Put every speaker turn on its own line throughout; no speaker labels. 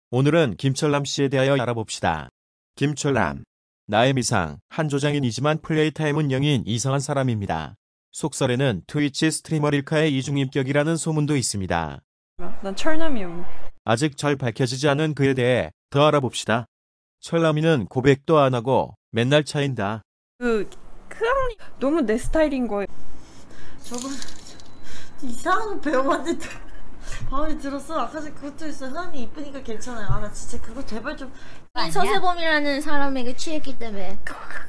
오늘은 김철남 씨에 대하여 알아봅시다. 김철남. 나의 미상, 한조장인이지만 플레이타임은 0인 이상한 사람입니다. 속설에는 트위치 스트리머 릴카의 이중인격이라는 소문도 있습니다.
난 철남이요.
아직 잘 밝혀지지 않은 그에 대해 더 알아봅시다. 철남이는 고백도 안 하고 맨날 차인다.
크랑이 너무 내 스타일인 거예요.
저번 이상한 거 배워봤는데 마음에 들었어. 아까 전에 그것도 있어. 흐안이 이쁘니까 괜찮아요. 아 나 진짜 그거 제발 좀.
서세범이라는 사람에게 취했기 때문에.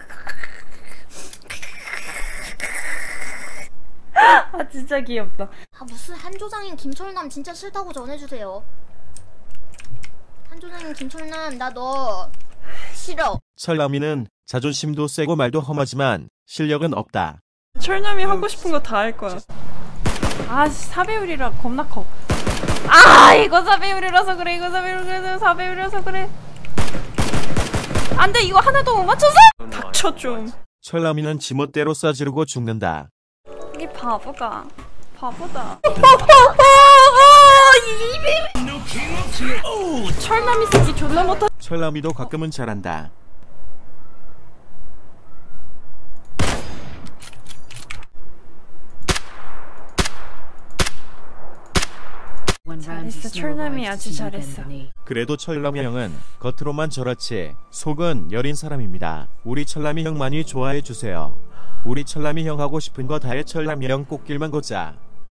아 진짜 귀엽다.
아 무슨 한조장인 김철남 진짜 싫다고 전해주세요. 한조장인 김철남 나 너 싫어.
철남이는 자존심도 세고 말도 험하지만 실력은 없다.
철남이 하고 싶은 거 다 할 거야. 아 4배율이라 겁나 커. 아 이거 4배율이라서 그래. 이거 4배율이라서 그래. 안돼 이거 하나도 못 맞춰서. 닥쳐 좀.
철남이는 지멋대로 쏴지르고 죽는다.
이 바보가 바보다. 철남이 새끼 존나 못하.
철남이도 가끔은 잘한다.
잘했어. 철남이 아주 잘했어.
그래도 철남이 형은 겉으로만 저렇지 속은 여린 사람입니다. 우리 철남이 형 많이 좋아해 주세요. 우리 철남이 형 하고 싶은 거 다 해. 철남이 형 꽃길만 걷자.